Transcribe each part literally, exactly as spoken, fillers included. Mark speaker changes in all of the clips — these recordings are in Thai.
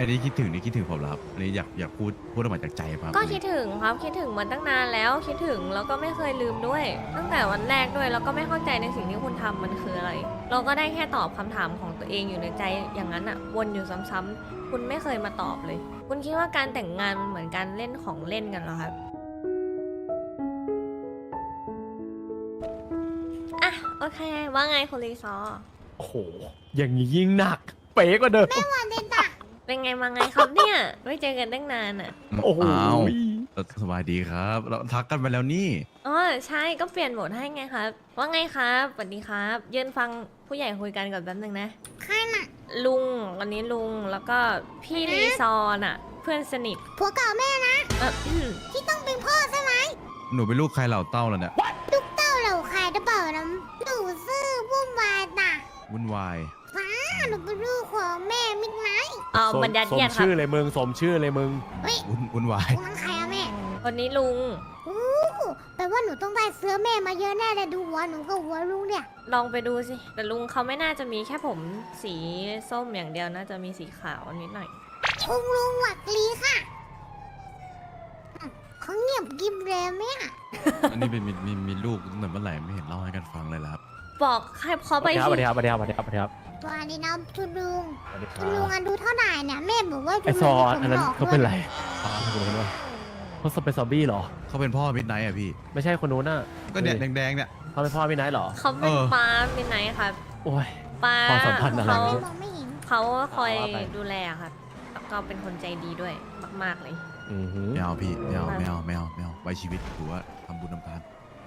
Speaker 1: อันนี้คิดถึงนี่คิดถึงผมเหรอครับอันนี้อยากอยากพูดพูดออกมาจากใจครับ
Speaker 2: ก็คิดถึงครับคิดถึงมันตั้งนานแล้วคิดถึงแล้วก็ไม่เคยลืมด้วย ตั้งแต่วันแรกด้วยแล้วก็ไม่เข้าใจในสิ่งที่คุณทำมันคืออะไร เราก็ได้แค่ตอบคำถามของตัวเองอยู่ในใจอย่างนั้นอะวนอยู่ซ้ำๆคุณไม่เคยมาตอบเลย คุณคิดว่าการแต่งงานมันเหมือนการเล่นของเล่นกันเหรอครับอ่ะโอเคว่าไงคุณลีซอ
Speaker 3: โอ้โหอย่างนี้ยิ่งหนัก เป๊ะกว่าเดิม
Speaker 2: เป็นไงมาไงครับเนี่ยไม่เจอกันตั้งนานอะ
Speaker 3: โอ้โห
Speaker 1: อ้าวสบายดีครับเราทักกันไปแล้วนี่
Speaker 2: อ๋อใช่ก็เปลี่ยนโหมดให้ไงครับ ว่าไงครับสวัสดีครับยืนฟังผู้ใหญ่คุยกันก่อนแป๊บนึงนะใครน่ะลุงวันนี้ลุงแล้วก็พี่รีซอร์น่ะ เพื่อนสนิท
Speaker 4: ผัวเก่าแม่นะ
Speaker 2: เอ่อ
Speaker 4: ที่ต้องเป็นพ่อใช่ไหม
Speaker 1: หนูเป็นลูกใครเหล่าเต้าแล้วเนี่ย
Speaker 4: ลูกเต้าเหล่าใครหรือเปล่านะหนูซื่อวุ่นวายน่ะ
Speaker 1: วุ่นวาย
Speaker 4: ฟ้าหนูเป็นลูกของแม่มิดไนท์
Speaker 2: เอา
Speaker 3: สม
Speaker 2: บรรยัด
Speaker 3: สม
Speaker 2: เยียดครับ
Speaker 3: ชื่อเลยมึงสมชื่อเลยมึง
Speaker 4: เฮ้ย
Speaker 1: วุ่นวุ่นวาย
Speaker 4: พวกนั้นใครอะแม่
Speaker 2: วันนี้ลุง
Speaker 4: อู้แปลว่าหนูต้องได้เสื้อแม่มาเยอะแน่เลยดูหัวหนูกับหัวลุงเนี่ย
Speaker 2: ลองไปดูสิ แต่ลุงเขาไม่น่าจะมีแค่ผมสีส้มอย่างเดียวน่าจะมีสีขาวนิดหน่อย
Speaker 4: คุณลุงหวัดลีค่ะอืมเขาเงียบกิบเลยแม่
Speaker 1: อันนี้เป็นมีมีมีลูกตั้งแต่เมื่อไหร่ไม่เห็นเล่าให้กันฟังเลยล่ะครับ
Speaker 2: บอกให้เขา
Speaker 3: ส
Speaker 2: ไป
Speaker 3: วัสดีครับ
Speaker 2: สิ
Speaker 3: สวัสดีครับสวัสดีครับสวัสดีครับ
Speaker 4: ตัวนี้นะคุณลุง
Speaker 3: สวัสดีค
Speaker 4: คุณลุง
Speaker 3: รับ
Speaker 4: อายุเท่าไหร่เนี่ยแม่บอกว่า
Speaker 3: ไอ
Speaker 4: คุณ
Speaker 3: ซ
Speaker 4: ลุ
Speaker 3: อง
Speaker 4: ผม
Speaker 3: อันนั้น
Speaker 4: หลอก
Speaker 3: เขา
Speaker 4: ด้
Speaker 3: เป็
Speaker 4: วน ย
Speaker 3: ไรอ๋อคนนู้นวะเขาเป็นซอมบี้เหรอ
Speaker 1: เขาเป็นพ่อมิดไนท์อ่ะพี่
Speaker 3: ไม่ใช่คนนู้นน่ะ
Speaker 1: ก็เนี่ยแดงๆเนี่ย
Speaker 3: เขาเป็นพ่อพี่ไนท์เหรอ
Speaker 2: เขาเป็น
Speaker 1: เออ
Speaker 2: ป้าเป็นไหนครับ
Speaker 3: โอ้ย
Speaker 2: ป้า
Speaker 3: ความสัมพันธ์อะไร
Speaker 2: เขา
Speaker 4: มองไม่เห็น
Speaker 2: เขาคอย
Speaker 3: เอาว่าไป
Speaker 2: ดูแลครับแล้วก็เป็นคนใจดีด้วยมากๆเลย
Speaker 3: อือหือ
Speaker 1: ไม่เอาพี่ไม่เอาไม่เอาไม่เอาไม่เอาไว้ชีวิตถือว่าทำบุญทำทาน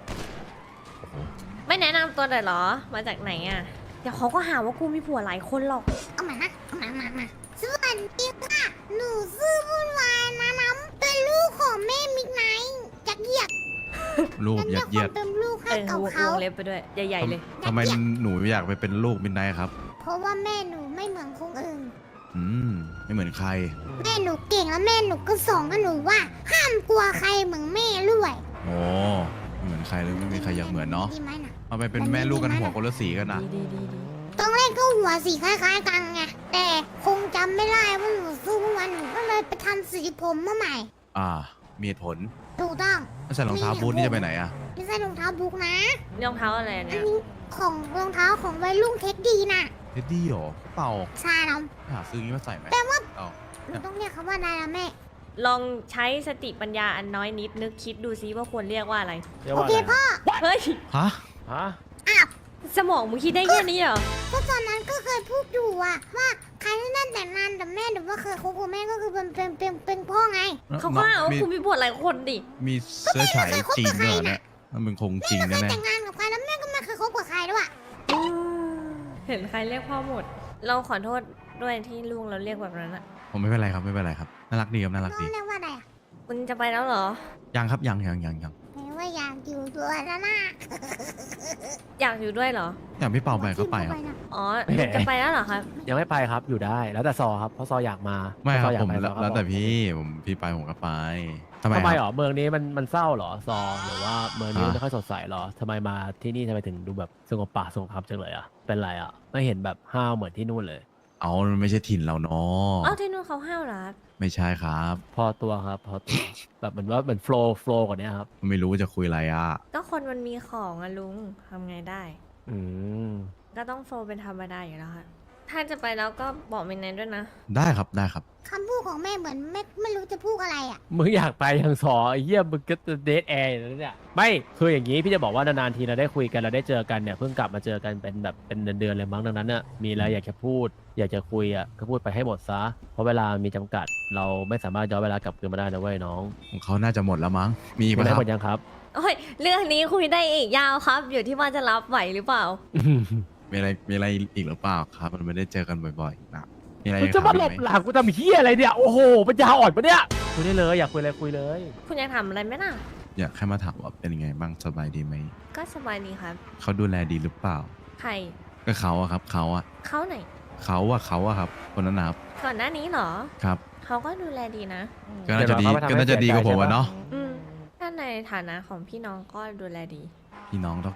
Speaker 2: ไม่แนะนำตัวเลยเหรอ มาจากไหนอ่ะ เดี๋ยวเขาก็หาว่ากูมีผัวหลายคนหรอก
Speaker 4: เอามานะเอามามามาสวัสดีค่ะ หนูซื่อวุ่นวายนะน้ำเป็นลูกของแม่มิดไนท์จักเหยียด
Speaker 1: ลูก
Speaker 4: นั่น
Speaker 1: ยั
Speaker 4: เรีย
Speaker 1: ด
Speaker 4: ก
Speaker 1: เยี
Speaker 4: ค
Speaker 1: ย
Speaker 4: วา
Speaker 1: ด
Speaker 4: มเป็นลูก
Speaker 2: เอ
Speaker 4: ให้
Speaker 2: อ
Speaker 4: กับ
Speaker 2: ว
Speaker 4: เขา
Speaker 2: งเล็บไปด้วย ใหญ่ๆเลย
Speaker 1: ทำไมหนูอยากไปเป็นลูกมิดไนท์ครับ
Speaker 4: เพราะว่าแม่หนูไม่เหมือนคนอื่น
Speaker 1: อืมไม่เหมือนใคร
Speaker 4: แม่หนูเก่งแล้วแม่หนูก็สอนกับหนูว่า ห้ามกลัวใครเหมือนแม่ด้วย
Speaker 1: โอ้ไม่เหมือนใครเลยไม่มีใครอยากเหมือนเนาะ
Speaker 4: ดีไหมน่ะ
Speaker 1: เอาไปเป็นแม่ลูกกันหัวคนละสีกันนะ
Speaker 2: ดีดีดีดี
Speaker 4: ตอนแรกก็หัวสีคล้ายๆกันไงแต่คงจำไม่ได้ว่าหนูสู้วันหนูก็เลยไปทำสีผมมาใหม่
Speaker 1: อ่า มีเหตุผล
Speaker 4: ถูกต้อง
Speaker 1: ถ้าใส่รองเท้าบูทนี่จะไปไหนอะ
Speaker 4: ไม่ใช่รองเท้าบุ๊กนะ
Speaker 2: รองเท้าอะไร
Speaker 4: อัน
Speaker 2: เนี่ย
Speaker 4: นี้ของรองเท้าของวัยรุ่นเทคดีน่ะ
Speaker 1: เท็ดดี้เหรอเปล่า
Speaker 4: ใช่น้อง
Speaker 1: หาซื้ออย่างนี้มาใส่ไหม
Speaker 4: แต่ว่า
Speaker 1: เอา
Speaker 4: หนูต้องเรียกเขาว่าอะไรนะแม่
Speaker 2: ลองใช้สติปัญญาอันน้อยนิดนึกคิดดูซิว่าควรเรียกว่าอะไร
Speaker 3: เรียก
Speaker 4: โอ
Speaker 3: ว่าอะ
Speaker 4: เค
Speaker 3: ไร
Speaker 4: พ่อ
Speaker 2: เฮ้ย
Speaker 1: ฮะ
Speaker 3: ฮะ
Speaker 4: อ้าว
Speaker 2: สมองมึงคิดได้แค่นี้เหรอ
Speaker 4: ก็ตอนนั้นก็เคยพูดอยู่อะว่าใครที่นั่นแต่งงานกับแม่หรือว่าเคยคบกับแม่ก็คือเป็นเป็นเป็นเป็นพ่อไง
Speaker 2: เขาก็หาว่า
Speaker 1: มี
Speaker 2: คุณมีผัวหลายคนดิ
Speaker 1: มีเสื้อฉายจีนด้วยเหรอเนี่ยมันเป็นคงจริง
Speaker 4: ไม่เค
Speaker 1: แน่
Speaker 4: ยแต่งงานกับใครแล้วแม่ก็ไม่เคยคบกับใครด้วย
Speaker 2: เห็นใครเรียกพ่อหมด เราขอโทษด้วยที่ลุงเราเรียกแบบนั้นอะ
Speaker 1: ๆผมไม่เป็นไรครับไม่เป็นไรครับน่ารักดีครับน่ารัก
Speaker 4: น้อ
Speaker 1: ดี
Speaker 4: งเรียกว่าอะไรอะ
Speaker 2: มึงจะไปแล้วเหรอ
Speaker 1: ยังครับยังยังยังยัง
Speaker 4: แปลว่าอยากอยู่ด้วยแล้วนะ
Speaker 2: อยากอยู่ด้วยเหรอ
Speaker 1: อยากพี่เป่าไปก็ไปครับ
Speaker 2: อ๋อลุงจะไปแล้วเหรอครับ
Speaker 3: ยังไม่ไปครับอยู่ได้แล้วแต่ซอครับเพราะซออยากมา
Speaker 1: ไม่ครับ
Speaker 3: ซออยาก
Speaker 1: ผม
Speaker 3: ไป
Speaker 1: แล้ว
Speaker 3: ซอก็
Speaker 1: แล้วแต่
Speaker 3: บอก
Speaker 1: พี่ผมพี่ไปผมก็ไปทำไม
Speaker 3: ทำไม
Speaker 1: ค
Speaker 3: เหร
Speaker 1: รับ
Speaker 3: อเมืองนี้มันมันเศร้าเหรอซอหรือว่าเมืองนี้
Speaker 1: ฮะ
Speaker 3: ไม่ค่อยสดใสเหรอทำไมมาที่นี่ทำไมถึงดูแบบสงบป่าสงบคำจังเลยอ่ะเป็นไรอ่ะไม่เห็นแบบห้าวเหมือนที่นู่นเลย
Speaker 1: เอามันไม่ใช่ถิ่นเราเนาะ
Speaker 2: อ้าวที่นู่นเขาห้าวเหรอครับ
Speaker 1: ไม่ใช่ครับ
Speaker 3: พอตัวครับพอตัว แบบเหมือนว่าเหมือนโฟล์โฟล์กว่านี้ครับ
Speaker 1: ไม่รู้ว่าจะคุยอะไรอ่ะ
Speaker 2: ก็คนมันมีของอะลุงทำไงได้
Speaker 3: อืม
Speaker 2: ก็ต้องโฟลเป็นธรรมดาอยู่แล้วค่ะถ้าจะไปแล้วก็บอกมินนด้วยนะ
Speaker 1: ได้ครับได้ครับ
Speaker 4: คำพูดของแม่เหมือนไม่ไม่รู้จะพูดอะไรอ่ะ
Speaker 3: มึงอยากไปทางซอไอ้เหี้ยมึงก็เดทแอร์อยู่แล้วเนี่ยไม่คืออย่างนี้พี่จะบอกว่านานๆทีเราได้คุยกันเราได้เจอกันเนี่ยเพิ่งกลับมาเจอกันเป็นแบบเป็นเดือนๆเลยมั้งดังนั้นน่ะมีอะไรอยากจะพูด อยากจะคุยอ่ะก็พูดไปให้หมดซะเพราะเวลามีจำกัด เราไม่สามารถย้อนเวลากลับคืนมาได้นะเว้ยน้อง
Speaker 1: ของเขาน่าจะหมดแล้วมั้งมีอีก
Speaker 3: ไม่
Speaker 1: ปะ
Speaker 3: ได้
Speaker 1: ครับ
Speaker 3: หมดยังครับ
Speaker 2: โอ้ย เรื่องนี้คุยได้อีกยาวครับ อยู่ที่ว่าจะรับไหวหรือเปล่า
Speaker 1: มีอะไรมีอะไรอีกหรือเปล่าครับ มันไม่ได้เจอกันบ่อยๆนะมีอะไร
Speaker 3: มึงจะมาหลบ
Speaker 1: ถ
Speaker 3: หลังกูทำเหี้ยอะไรเนี่ยโอ้โหปัญญาอ่อนปะเนี่ยคุยได้เลยอยากคุยอะไรคุยเลย
Speaker 2: คุณอยากทำอะไรไหมล่ะ
Speaker 1: อยากแค่มาถามว่าเป็นยังไงบ้างสบายดีไหม
Speaker 2: ก็สบายดีครับ
Speaker 1: เขาดูแลดีหรือเปล่า
Speaker 2: ใคร
Speaker 1: ก็เขาอะครับเขาอะ
Speaker 2: เขาไหน
Speaker 1: เขาอะเขาอะครับคนนั้นนะครับ
Speaker 2: ก่อนหน้านี้เหรอ
Speaker 1: ครับ
Speaker 2: เขาก็ดูแลดีนะ
Speaker 1: ก็น่าจะดีก็น่าจะดีกว่าผมอะเนาะ
Speaker 2: อืมถ้าในฐานะของพี่น้องก็ดูแลดี
Speaker 1: พี่น้องเท่ากับ
Speaker 2: ถ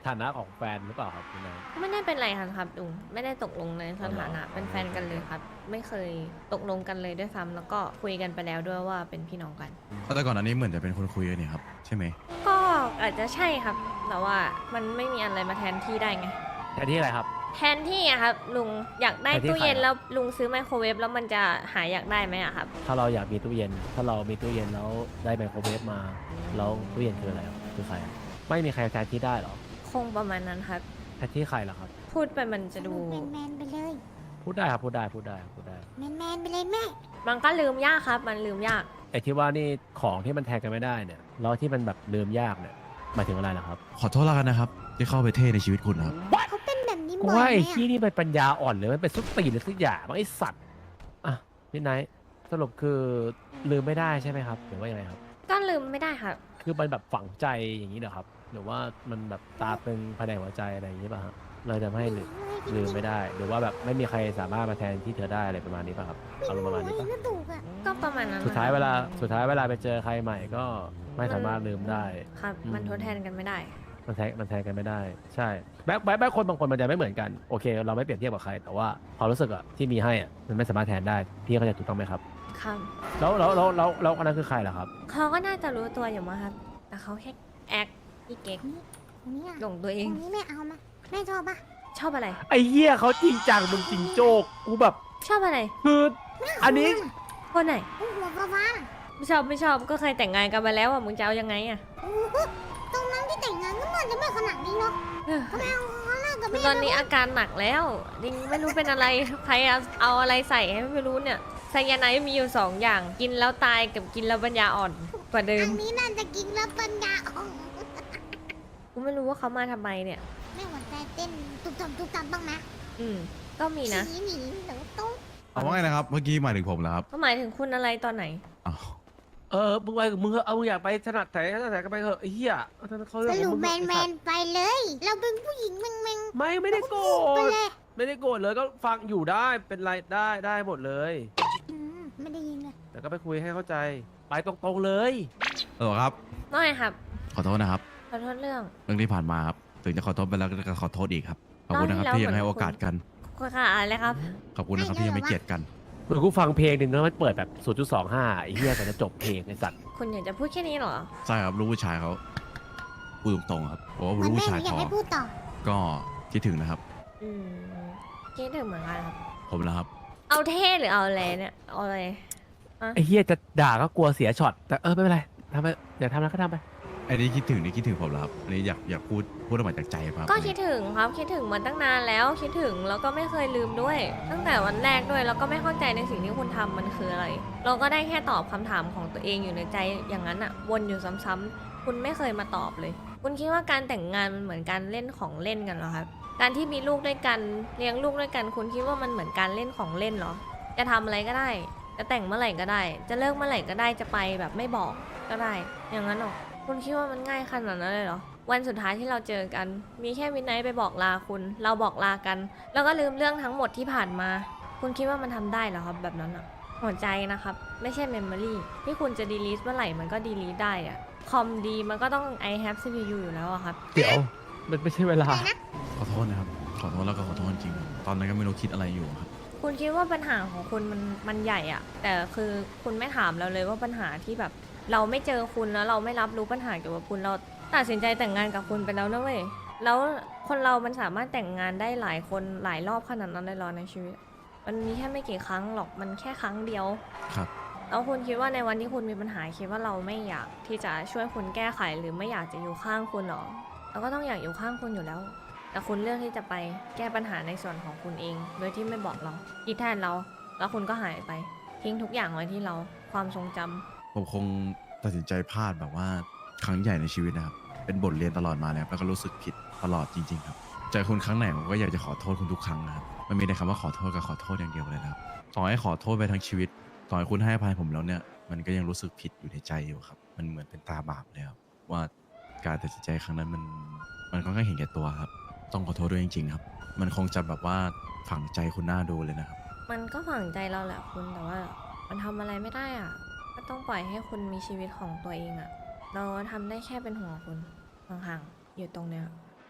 Speaker 3: ฐานะของแฟนหรือเปล่าครับคุณนาย
Speaker 2: ไม่ได้เป็นไรกันครับลุงไม่ได้ตกลงในสถานะ
Speaker 3: อ๋อเหรอ
Speaker 2: เป็นแฟนกันเลยครับ ไม่เคยตกลงกันเลยด้วยซ้ำแล้วก็คุยกันไปแล้วด้วยว่าเป็นพี่น้องกัน
Speaker 1: แต่ก่อนอันนี้เหมือนจะเป็นคนคุยกันนี่ครับใช่ไหม
Speaker 2: ก็อาจจะใช่ครับ แต่ว่ามันไม่มีอะไรมาแทนที่ได้ไง
Speaker 3: แทนที่อะไรครับ
Speaker 2: แทนที่อะครับลุงอยากได้
Speaker 3: แทนที่
Speaker 2: ตู้เย็น
Speaker 3: ใครอะ
Speaker 2: แล้วลุงซื้อไมโครเวฟแล้วมันจะหายอยากได้ไหมอะครับ
Speaker 3: ถ้าเราอยากมีตู้เย็น ถ้าเรามีตู้เย็นแล้วได้ไมโครเวฟมา แล้วตู้เย็นคืออะไรครับคือใครอะไม่มีใครแทนที่ได้หรอ
Speaker 2: คงประมาณนั้นครับ
Speaker 3: แทนที่ใครล่ะครับ
Speaker 2: พูดไปมันจะดู
Speaker 4: แมนแมนๆไปเลย
Speaker 3: พูดได้ครับพูดได้พูดได้พูดได้
Speaker 4: แมนแมนๆไปเลยแม่
Speaker 2: มันก็ลืมยากครับ มันลืมยาก
Speaker 3: ไอ้ที่ว่านี่ของที่มันแทนกันไม่ได้เนี่ยแล้วที่มันแบบลืมยากเนี่ยหมายถึงอะไรล่ะครับ
Speaker 1: ขอโทษแล้วกันนะครับ ที่เข้าไปเท่ในชีวิตคุณครับ
Speaker 4: เขาเป็นแบบนี้
Speaker 3: กู
Speaker 4: บ่อย
Speaker 3: ว่า
Speaker 4: ไหม
Speaker 3: ไอ้
Speaker 4: อะ
Speaker 3: ที่นี่เป็นปัญญาอ่อนหรือมันเป็นสุดตีนหรือสักอย่างมันไอ้สัตว์อ่ะพี่ไนท์สรุปคือลืมไม่ได้ใช่ไหมครับหรือว่ายังไงครับ
Speaker 2: ก็ลืมไม่ได้ครับ
Speaker 3: คือมันแบบฝังใจอย่างนี้เหรอครับ หรือว่ามันแบบตาตึงภายในหัวใจอะไรอย่างนี้ป่ะฮะเลยทำให้ลืมลืมไม่ได้ หรือว่าแบบไม่มีใครสามารถมาแทนที่เธอได้อะไรประมาณนี้ป่ะครับอารมณ์ประมาณนี้ป่ะ
Speaker 4: ก็ถูกอะ
Speaker 2: ก็ประมาณนั้น
Speaker 3: สุดท้าย
Speaker 2: นะครับ
Speaker 3: เวลาสุดท้ายเวลาไปเจอใครใหม่ก็ไม่สามารถลืมได้
Speaker 2: ครับ
Speaker 3: อืม
Speaker 2: มันทดแทนกันไม่ได้
Speaker 3: มันแทนมันแทนกันไม่ได้ ใช่แบ็คแบ็คแบ็คคนบางคนมันจะไม่เหมือนกันโอเค เราไม่เปรียบเทียบกับใคร แต่ว่าความรู้สึกอะที่มีให้อะมันไม่สามารถแทนได้พี่เข้าใจถูกต้องไหมครับ
Speaker 2: ครับ
Speaker 3: แล้วแล้วแล้วแล้วแล้วอันนั้นคือใครล่ะครับ
Speaker 2: เขาก็น่าจะรู้ตัวอยู่มั้งครับ แต่เขาแค่แอคที่เก๊ก
Speaker 4: คนนี้อะ
Speaker 2: หลงตัวเอ
Speaker 4: ค
Speaker 2: ง
Speaker 4: นนี้แม่เอามาแม่ชอบปะ
Speaker 2: ชอบอะไร
Speaker 3: ไอ้เหี้ยเขาจริงจังมึงจริงโจ๊กกูแบบ
Speaker 2: ชอบอะไร
Speaker 3: คืออันนี้
Speaker 2: คนไหน
Speaker 4: โอ้หัวฟ้าฟ้าๆน่ะ
Speaker 2: ไม่ชอบไม่ชอบก็เคยแต่งงานกันมาแล้วอ่ะมึงจะเอายังไงอ่ะ
Speaker 4: โอ้โหตรงนั้นที่แต่งงานก็มันจะไม่ขนาดนี้เนาะ
Speaker 2: เออ
Speaker 4: เขาไม่เอาเขาเลิกกับ
Speaker 2: คือ
Speaker 4: แม่
Speaker 2: ตอนนี้อาการหนักแล้วดิงไม่รู้เป็นอะไรใครเอาเอาอะไรใส่ให้ไม่รู้เนี่ยไซยาไนด์มีอยู่สองอย่าง กินแล้วตายกับกินแล้วปัญญาอ่อนกว่าเดิ
Speaker 4: อั
Speaker 2: ม
Speaker 4: นนี้น่าจะกินแล้วปัญญาอ่อน
Speaker 2: กูไม่รู้ว่าเขามาทำไมเนี่ย
Speaker 4: แม่หัวใจเต้นตุบตับตุบตับบ้างนะ
Speaker 2: อืมก็มีนะ
Speaker 4: หนีหนีเดี๋ยวต้อง
Speaker 1: เอาว่าไงนะครับ เมื่อกี้หมายถึงผมแล้วครับ
Speaker 2: ก็หมายถึงคุณอะไรตอนไหน
Speaker 1: อ้าว
Speaker 3: เออมึงไปมึงเอามึงอยากไปถนัดไหนถนัดไหนก็ไปเถอะไอ้เหี้ยเขา
Speaker 4: ส
Speaker 3: เรื่องข
Speaker 4: รุ
Speaker 3: อง
Speaker 4: ป
Speaker 3: มึง
Speaker 4: แม
Speaker 3: เถอะ
Speaker 4: นแม
Speaker 3: ไอ้สัต
Speaker 4: น
Speaker 3: ว์
Speaker 4: ไปเลย เราเป็นผู้หญิงแมงแมง
Speaker 3: ไม่ไม่ได้โกร
Speaker 4: ไป
Speaker 3: ธ
Speaker 4: เลย
Speaker 3: ไม่ได้โกรธเลยก็ฟังอยู่ได้เป็นไรได้ได้หมดเลย
Speaker 4: อืมไม่ได้ยินเลย
Speaker 3: แต่ก็ไปคุยให้เข้าใจ ไปตรงๆเลย
Speaker 1: เออครับ
Speaker 2: น้อยครับ
Speaker 1: ขอโทษนะครับ
Speaker 2: ขอโทษเรื่อง
Speaker 1: เรื่องที่ผ่านมาครับ ถึงจะขอโทษไปแล้วก็ขอโทษอีกครับ ขอบคุณนะครับ
Speaker 2: รอบที่
Speaker 1: ที่ยังให้
Speaker 2: แล้ว
Speaker 1: โอกาสกัน
Speaker 2: คุณค่ะอะไรครับ
Speaker 1: ขอบคุณนะครับที่ยังไม่เกลียดกัน
Speaker 3: เหมือนกูฟังเพลงหนึ่งแล้วมันเปิดแบบ ศูนย์จุดสองห้า ไอ้เหี้ยกว่าจะจบเพลงไอ้สัตว์
Speaker 2: คุณอยากจะพูดแค่นี้เหรอ
Speaker 1: ใช่ครับรู้ผู้ชายเขาพูดตรงๆครับเพราะว่า
Speaker 4: เหมือน
Speaker 1: รู้
Speaker 4: แม่
Speaker 1: ผู้
Speaker 4: ห
Speaker 1: ชาย
Speaker 4: นูอยา
Speaker 1: พ
Speaker 4: ก
Speaker 1: อ
Speaker 4: ให้พูดต่อ
Speaker 1: ก็คิดถึงนะครับ
Speaker 2: อืมคิดถึงเหมือนกันครับ
Speaker 1: ผมนะครับ
Speaker 2: เอาเท่หรือเอาอะไรเนี่ย เอาอะไร
Speaker 3: ไอ้เหี้ยจะด่าก็กลัวเสียช็อต แต่เออไม่เป็นไรทำไปอยากทำแล้วก็ทำไป
Speaker 1: อันนี้คิดถึงนี่คิดถึงผมแล้วครับ อันนี้อยากอยากพูดพูดออกมาจากใจครับ
Speaker 2: ก็คิดถึงครับคิดถึงมาตั้งนานแล้วคิดถึงแล้วก็ไม่เคยลืมด้วย ตั้งแต่วันแรกด้วยแล้วก็ไม่เข้าใจในสิ่งที่คุณทำมันคืออะไร เราก็ได้แค่ตอบคำถามของตัวเองอยู่ในใจอย่างนั้นอะวนอยู่ซ้ำๆคุณไม่เคยมาตอบเลย คุณคิดว่าการแต่งงานมันเหมือนการเล่นของเล่นกันเหรอครับ การที่มีลูกด้วยกันเลี้ยงลูกด้วยกัน คุณคิดว่ามันเหมือนการเล่นของเล่นเหรอ จะทำอะไรก็ได้ จะแต่งเมื่อไหร่ก็ได้ จะเลิกเมื่อไหร่ก็ได้จะไปแบบไม่บอกก็ได้ อย่างนั้นหรอ คุณคิดว่ามันง่ายขนาดนั้นเลยเหรอ วันสุดท้ายที่เราเจอกัน มีแค่วินไนท์ไปบอกลาคุณ เราบอกลากัน แล้วก็ลืมเรื่องทั้งหมดที่ผ่านมา คุณคิดว่ามันทำได้เหรอครับแบบนั้นอะหัวใจนะครับ ไม่ใช่เมมโมรีที่คุณจะดีลีทเมื่อไหร่มันก็ดีลีทได้อะคอมดีมันก็ต้อง I have ซี พี ยู อยู่แล้วอะครับ
Speaker 3: เดี๋ยว มันไม่ใช่เวลา
Speaker 1: ขอโทษนะครับ ขอโทษแล้วก็ขอโทษจริงๆครับตอนนั้นก็ไม่รู้คิดอะไรอยู่ครับ
Speaker 2: คุณคิดว่าปัญหาของคุณมันมันใหญ่อะแต่คือคุณไม่ถามเราเลยว่าปัญหาที่แบบ เราไม่เจอคุณแล้วเราไม่รับรู้ปัญหาเกี่ยวกับคุณเราตัดสินใจแต่งงานกับคุณไปแล้วนะเว้ยแล้วคนเรามันสามารถแต่งงานได้หลายคนหลายรอบขนาดนั้นเลยเหรอในชีวิต มันมีแค่ไม่กี่ครั้งหรอกมันแค่ครั้งเดียว
Speaker 1: ครับ
Speaker 2: แล้วคุณคิดว่าในวันที่คุณมีปัญหาคิดว่าเราไม่อยากที่จะช่วยคุณแก้ไขหรือไม่อยากจะอยู่ข้างคุณหรอเราก็ต้องอยากอยู่ข้างคุณอยู่แล้ว แต่คุณเลือกที่จะไปแก้ปัญหาในส่วนของคุณเอง โดยที่ไม่บอกเราคิดแทนเรา แล้วคุณก็หายไปทิ้งทุกอย่างไว้ที่เราความทรงจำ
Speaker 1: ผมคงตัดสินใจพลาดแบบว่าครั้งใหญ่ในชีวิตนะครับ เป็นบทเรียนตลอดมาแล้วแล้วก็รู้สึกผิดตลอดจริงๆครับเจอคุณครั้งไหนผมก็อยากจะขอโทษคุณทุกครั้งนะครับมันมีแต่คำว่าขอโทษกับขอโทษอย่างเดียวเลยนะครับต่อให้ขอโทษไปทั้งชีวิตต่อให้คุณให้อภัยผมแล้วเนี่ยมันก็ยังรู้สึกผิดอยู่ในใจอยู่ครับมันเหมือนเป็นตาบาปเลยครับว่าการตัดสินใจครั้งนั้นมันมันค่อนข้างเห็นแก่ตัวครับต้องขอโทษด้วยจริงๆครับมันคงจะแบบว่าฝังใจคุณหน้าดูเลยนะครับ
Speaker 2: มันก็ฝังใจเราแหละคุณแต่ว่ามันทำอะไรไม่ได้อ่ะก็ต้องปล่อยให้คุณมีชีวิตของตัวเองอ่ะ เราทำได้แค่เป็นห่วงคุณห่างๆอยู่ตรงเนี้ย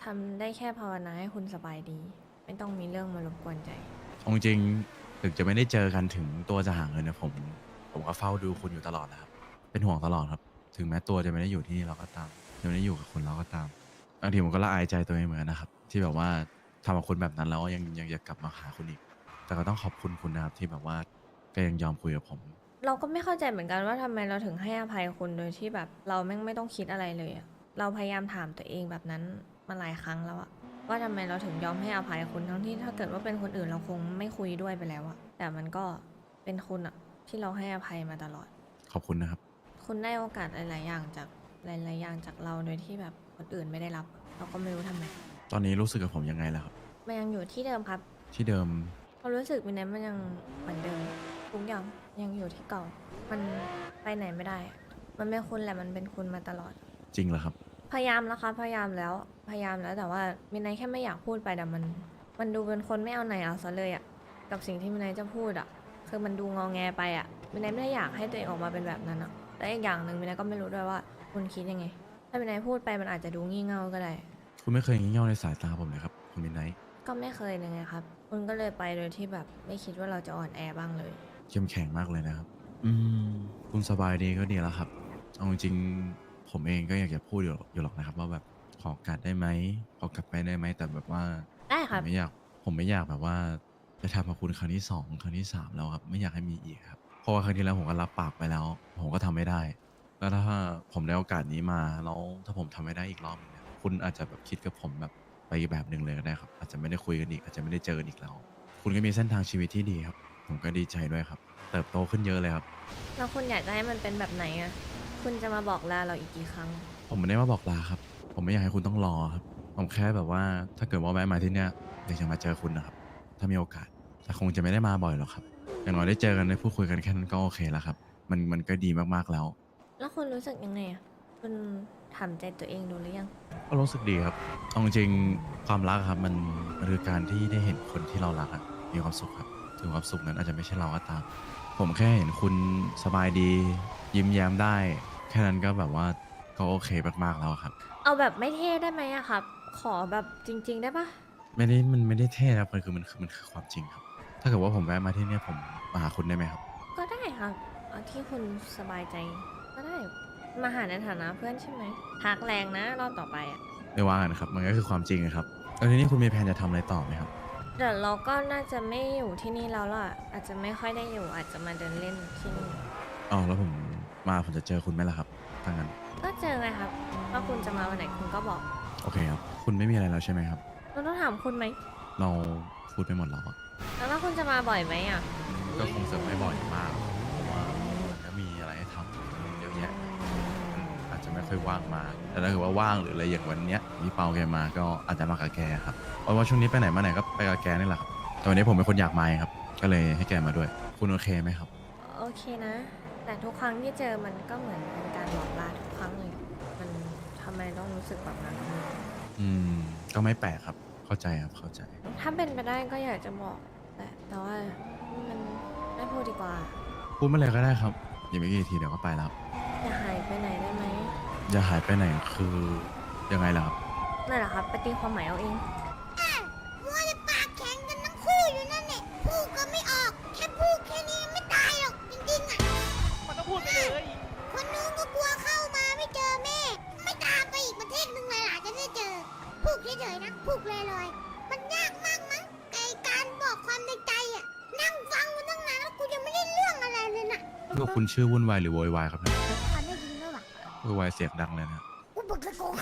Speaker 2: ทำได้แค่ภาวนาให้คุณสบายดี ไม่ต้องมีเรื่องมารบกวนใจ
Speaker 1: เอาจริงๆถึงจะไม่ได้เจอกันถึงตัวจะห่างเงินนะผม ผมก็เฝ้าดูคุณอยู่ตลอดนะครับ เป็นห่วงตลอดครับ ถึงแม้ตัวจะไม่ได้อยู่ที่นี่เราก็ตามจะไม่ได้อยู่กับคุณเราก็ตามบางทีผมก็ละอายใจตัวเองเหมือนกันนะครับ ที่แบบว่าทำกับคุณแบบนั้นแล้วยังยังอยากกลับมาหาคุณอีก แต่ก็ต้องขอบคุณคุณนะครับที่แบบว่าก็ยังยอมคุยกับผม
Speaker 2: เราก็ไม่เข้าใจเหมือนกันว่าทำไมเราถึงให้อภัยคุณโดยที่แบบเราแม่งไม่ต้องคิดอะไรเลยอะเราพยายามถามตัวเองแบบนั้นมาหลายครั้งแล้วอะว่าทำไมเราถึงยอมให้อภัยคุณทั้งที่ถ้าเกิดว่าเป็นคนอื่นเราคงไม่คุยด้วยไปแล้วอะแต่มันก็เป็นคุณอะที่เราให้อภัยมาตลอด
Speaker 1: ขอบคุณนะครับ
Speaker 2: คุณได้โอกาสหลาย ๆ อย่างจากหลาย ๆ อย่างจากเราโดยที่แบบคนอื่นไม่ได้รับ เราก็ไม่รู้ทำไม
Speaker 1: ตอนนี้รู้สึกกับผมยังไงแล้วครับ
Speaker 2: มันยังอยู่ที่เดิมครับ
Speaker 1: ที่เดิม
Speaker 2: ความรู้สึกมันนั้นมันยังเหมือนเดิมทุกอย่างยังอยู่ที่เก่า มันไปไหนไม่ได้อะมันเป็นคุณแหละมันเป็นคุณมาตลอด
Speaker 1: จริงเหรอครับ
Speaker 2: พยายามแล้วครับพยายามแล้วพยายามแล้วแต่ว่ามินายแค่ไม่อยากพูดไปแต่มัน มันดูเป็นคนไม่เอาไหนเอาซะเลยอะกับสิ่งที่มินายจะพูดอะคือมันดูงอแงไปอะมินายไม่ได้อยากให้ตัวเองออกมาเป็นแบบนั้นอะและอีกอย่างหนึ่งมินายก็ไม่รู้ด้วยว่าคุณคิดยังไง ถ้ามินายพูดไปมันอาจจะดูงี่เง่าก็ได้
Speaker 1: คุณไม่เคยงี่เง่าในสายตาผมเลยครับคุณมินไนท์
Speaker 2: ก็ไม่เคยเลยไงครับ คุณก็เลยไปโดยที่แบบไม่คิดว่าเราจะอ่อนแอบ้างเลย
Speaker 1: เข้มแข็งมากเลยนะครับ อืม คุณสบายดีก็ดีแล้วครับ เอาจริงๆผมเองก็อยากจะพูดอยู่อยู่หรอกนะครับ ว่าแบบขอโอกาสได้ไหมขอกลับไปได้ไหมแต่แบบว่า
Speaker 2: ได้ค
Speaker 1: ผ
Speaker 2: รั
Speaker 1: ม
Speaker 2: บ
Speaker 1: ไม่อยากผมไม่อยากแบบว่าจะทำกับคุณครั้งที่สองครั้งที่สามแล้วครับไม่อยากให้มีอีกครับเพราะว่าครั้งที่แล้วผมก็รับปากไปแล้ว ผมก็ทำไม่ได้ แล้วถ้าผมได้โอกาสนี้มาแล้วถ้าผมทำไม่ได้อีกรอบหนึงเนี่ยคุณอาจจะแบบคิดกับผมแบบไปอีกแบบหนึ่งเลยก็ได้ครับ อาจจะไม่ได้คุยกันอีกอาจจะไม่ได้เจอกันอีกแล้ว คุณก็มีเส้นทางชีวิตที่ดีครับ ผมก็ดีใจด้วยครับ เติบโตขึ้นเยอะเลยครับ
Speaker 2: แล้วคุณอยากจะให้มันเป็นแบบไหนอะคุณจะมาบอกลาเราอีกกี่ครั้ง
Speaker 1: ผมไม่ได้มาบอกลาครับ ผมไม่อยากให้คุณต้องรอครับ ผมแค่แบบว่าถ้าเกิดว่าแวะมาที่เนี้ยอยากจะมาเจอคุณนะครับ ถ้ามีโอกาส แต่คงจะไม่ได้มาบ่อยหรอกครับ อย่างน้อยได้เจอกันได้พูดคุยกันแค่นั้นก็โอเคแล้วครับ มันมันก็ดีมากๆแล้ว
Speaker 2: แล้วคุณรู้สึกยังไงอะคุณถามใจตัวเองดูหรือยัง
Speaker 1: ก็รู้สึกดีครับเอาจริงๆความรักครับมันมันคือการที่ได้เห็นคนที่เรารักอะมีความสุขครับ ถึงความสุขนั้นอาจจะไม่ใช่เราก็ตาม ผมแค่เห็นคุณสบายดี ยิ้มแย้มได้ แค่นั้นก็แบบว่าก็โอเคมากๆแล้วครับ
Speaker 2: เอาแบบไม่เท่ได้ไหมอะครับ ขอแบบจริง ๆ ได้ปะ
Speaker 1: ไม่ได้มันไม่ได้เท่ครับมันคือมันคือมันคือความจริงครับ ถ้าเกิดว่าผมแวะมาที่เนี่ยผมมาหาคุณได้ไหมครับ
Speaker 2: ก็ได้ครับเอาที่คุณสบายใจ ก็ได้ มาหาในฐานะเพื่อนใช่ไหมทักแรงนะรอบต่อไปอะ
Speaker 1: ไม่ว่ากันครับ มันก็คือความจริงนะครับแล้วทีนี้คุณมีแผนจะทำอะไรต่อไหมครับ
Speaker 2: เดี๋ยวเราก็น่าจะไม่อยู่ที่นี่แล้วล่ะ อาจจะไม่ค่อยได้อยู่ อาจจะมาเดินเล่นที่นี่
Speaker 1: อ๋อแล้วผมมาผมจะเจอคุณไหมล่ะครับถ้างั้น
Speaker 2: ก็เจอไงครับว่าคุณจะมาวันไหนคุณก็บอก
Speaker 1: โอเคครับ คุณไม่มีอะไรแล้วใช่ไหมครับ
Speaker 2: เราต้องถามคุณไหม
Speaker 1: เราพูดไปหมดแล้วอะ
Speaker 2: แล้วว่าคุณจะมาบ่อยไหมอ่ะ
Speaker 1: ก็คงจะไม่บ่อยมาก เพราะว่ามันก็มีอะไรให้ทำเยอะแยะอืมอาจจะไม่ค่อยว่างมากแต่ถ้าเกิดว่าว่างหรืออะไรอย่างวันเนี้ยพี่เปาแกมาก็อาจจะมากับแกครับเพราะว่าช่วงนี้ไปไหนมาไหนก็ไปกับแกนี่แหละครับแต่วันนี้ผมเป็นคนอยากมาครับ ก็เลยให้แกมาด้วย คุณโอเคไหมครับ
Speaker 2: โอเคนะ แต่ทุกครั้งที่เจอมันก็เหมือนเป็นการบอกลาทุกครั้งเลย มันทำไมต้องรู้สึกแบบนั้นกับมัน
Speaker 1: อืม ก็ไม่แปลกครับ เข้าใจครับ เข้าใจ
Speaker 2: ถ้าเป็นไปได้ก็อยากจะบอก แต่แต่ว่ามันไม่พูดดีกว่า
Speaker 1: พูดเมื่อไหรก็ได้ครับอย่าไม่กี่ทีเดี๋ยวก็ไปแล้ว
Speaker 2: อย่าหายไปไหนได้ไหม
Speaker 1: อย่าหายไปไหนคือยังไงล่ะครับ
Speaker 2: นั่นแหละครับไปตีความหมายเอาเอง
Speaker 4: มัวแต่ปากแข็งกันทั้งคู่อยู่นั่นแหละพูดก็ไม่ออก แค่พูดแค่นี้ไม่ตายหรอกจริงๆอ่ะ
Speaker 3: มันต้องพูดไปเลย
Speaker 4: คนนู้นก็กลัวเข้ามาไม่เจอแม่ ไม่ตามไปอีกประเทศหนึ่งเลยล่ะจะได้เจอ พูดเฉยๆนะพูดลอยๆมันยากมากมั้งไอการบอกความในใจอ่ะ นั่งฟังมาตั้งนานแล้วกูยังไม่ได้เรื่องอะไรเลยน่ะ
Speaker 1: พวกคุณชื่อวุ่นวายหรือโวยวายครับเนี่ย
Speaker 4: ฟันได้ยินด้วยวะ
Speaker 1: โวยวายเสียงดังเลยนะ
Speaker 4: กูบอกตะโกน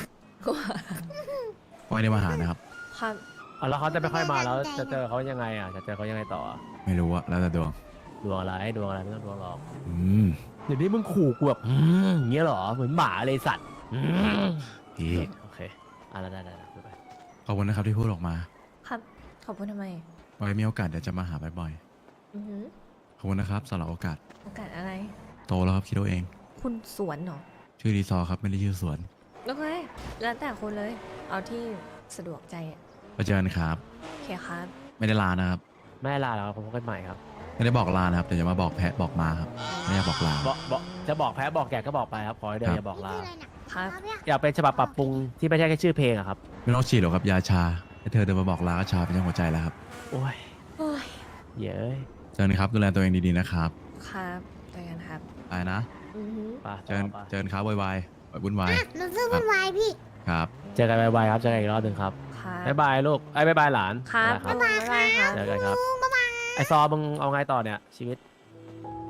Speaker 1: ไม่ได้มาหานะครับ
Speaker 2: ครับ
Speaker 3: อ่ะแล้วเขาจะไม่ค่อยมาแล้วจะเจอเขายังไงอ่ะจะเจอเขายังไงต่ออ่ะ
Speaker 1: ไม่รู้อะแล้วแต่ดวง
Speaker 3: ดวงอะไรดวงอะไรไม่ต้องดวงหรอก
Speaker 1: อืม
Speaker 3: เดี๋ยวนี้มึงขู่กูแบบอืมอย่างเงี้ยเหรอเหมือนหมาเลยสัตว์อืม
Speaker 1: พี่
Speaker 3: โอเคอ่ะได้ได้ได้ได้ไป
Speaker 1: ขอบคุณนะครับที่พูดออกมา
Speaker 2: ครับ ขอบคุณทำไม
Speaker 1: ไว้มีโอกาสเดี๋ยวจะมาหาบ่อย
Speaker 2: อือหือ
Speaker 1: ๆขอบคุณนะครับสำหรับโอกาส
Speaker 2: โอกาสอะไร
Speaker 1: โตแล้วครับคิดเอาเอง
Speaker 2: คุณสวนเหรอ
Speaker 1: ชื่อรีซอร์ครับไม่ได้ชื่อสวน
Speaker 2: โอเค แล้วแต่คุณเลย เอาที่สะดวกใจอะ
Speaker 1: ไปเจอกันครับ
Speaker 2: โอเคครับ
Speaker 1: ไม่ได้ลานะครับ
Speaker 3: ไม่ลาแล้วพบกันใหม่ครับ
Speaker 2: โ
Speaker 1: ไม่ได้บอกลานะครับแต่จะมาบอกแพะบอกมาครับไม่อยากบอกลา
Speaker 3: บอกบอกจะบอกแพ้บอกแกก็บอกไปครับขอให้เดี๋ยวอย่าบอกลา
Speaker 4: นี่คืออะไรน่ะ
Speaker 2: ครับ
Speaker 4: เอาเนี่ย
Speaker 3: อยากเป็นฉบับปรับปรุงที่ไม่ใช่แค่ชื่อเพลงอะครับ
Speaker 1: ไม่ต้องฉีดหรอกครับยาชาให้เธอเดินมาบอกลาก็ชาเป็นยังหัวใจแล้วครับ
Speaker 3: โอ้ย
Speaker 2: โอ้ย
Speaker 3: เย้ย
Speaker 1: เจอกันครับดูแลตัวเองดีๆนะครับ
Speaker 2: ครับเจอกันครับ
Speaker 1: ไปนะ
Speaker 2: อือหือ
Speaker 3: ไป
Speaker 1: เจอกัน
Speaker 3: ไป
Speaker 1: เจอกันครับวายๆวุ่นวาย
Speaker 4: อ่ะหนูซื้อวุ่นวายพี่
Speaker 1: ครับ
Speaker 3: เจอกันบายๆครับเจอกันอีกรอบหนึ่งครับ
Speaker 2: ครับ
Speaker 3: บ๊ายบายลูกไอ้ยบ๊ายบายหลาน
Speaker 2: ครับ
Speaker 3: บ๊ายบาย
Speaker 2: บ๊ายบายครับ
Speaker 3: เจอกันครับ
Speaker 4: บ๊ายบาย
Speaker 3: ไอซอมึงเอาไงต่อเนี่ยชีวิต